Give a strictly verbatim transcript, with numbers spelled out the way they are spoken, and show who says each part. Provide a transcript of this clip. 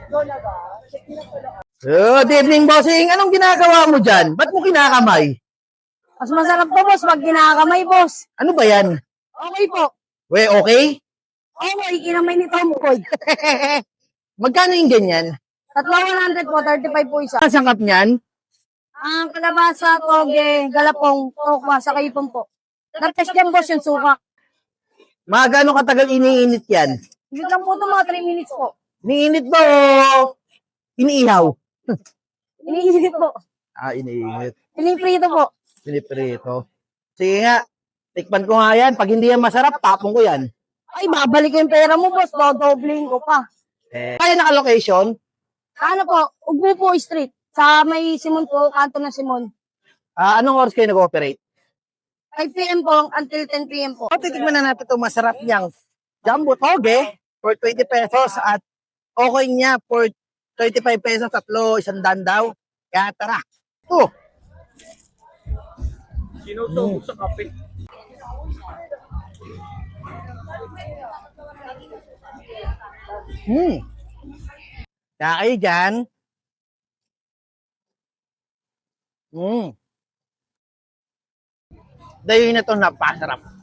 Speaker 1: Good evening, bossing. Anong ginagawa mo dyan? Ba't mo kinakamay?
Speaker 2: Mas masarap po, boss, pag kinakamay, boss.
Speaker 1: Ano ba yan?
Speaker 2: Okay po.
Speaker 1: We, okay?
Speaker 2: Okay, kinamay ni Tom Boy.
Speaker 1: Magkano yung ganyan?
Speaker 2: Tatlo one hundred po, thirty-five po isa.
Speaker 1: Ang sangkap niyan?
Speaker 2: Ang kalabasa, toge, galapong, tokwa, sa kaipon po. Nagtest yan, boss, yung suka.
Speaker 1: Mga gaano katagal iniinit yan?
Speaker 2: Hindi lang po ito, mga three minutes po.
Speaker 1: Iniinit ba o iniihaw?
Speaker 2: Iniinit po.
Speaker 1: Ah, iniinit.
Speaker 2: Piniprito po.
Speaker 1: Piniprito. Sige nga, tikman ko nga yan. Pag hindi yan masarap, tapong ko yan.
Speaker 2: Ay, babalik ko yung pera mo, boss. Dodobling ko pa.
Speaker 1: Eh, kaya naka-location?
Speaker 2: Ano po, Ugbo po Street. Sa may Simon po, kanto ng Simon.
Speaker 1: Ah, anong oras kayo nag-operate?
Speaker 2: five p m po until ten p m po.
Speaker 1: O, titikman na natin itong masarap niyang jumbo toge for twenty pesos at okay niya for thirty-five pesos, tatlo, isang dan daw. Kaya tara. Oh.
Speaker 3: Sinuto sa kape.
Speaker 1: Hmm. Kaya kayo dyan. Hmm. Dahil na ito napasarap.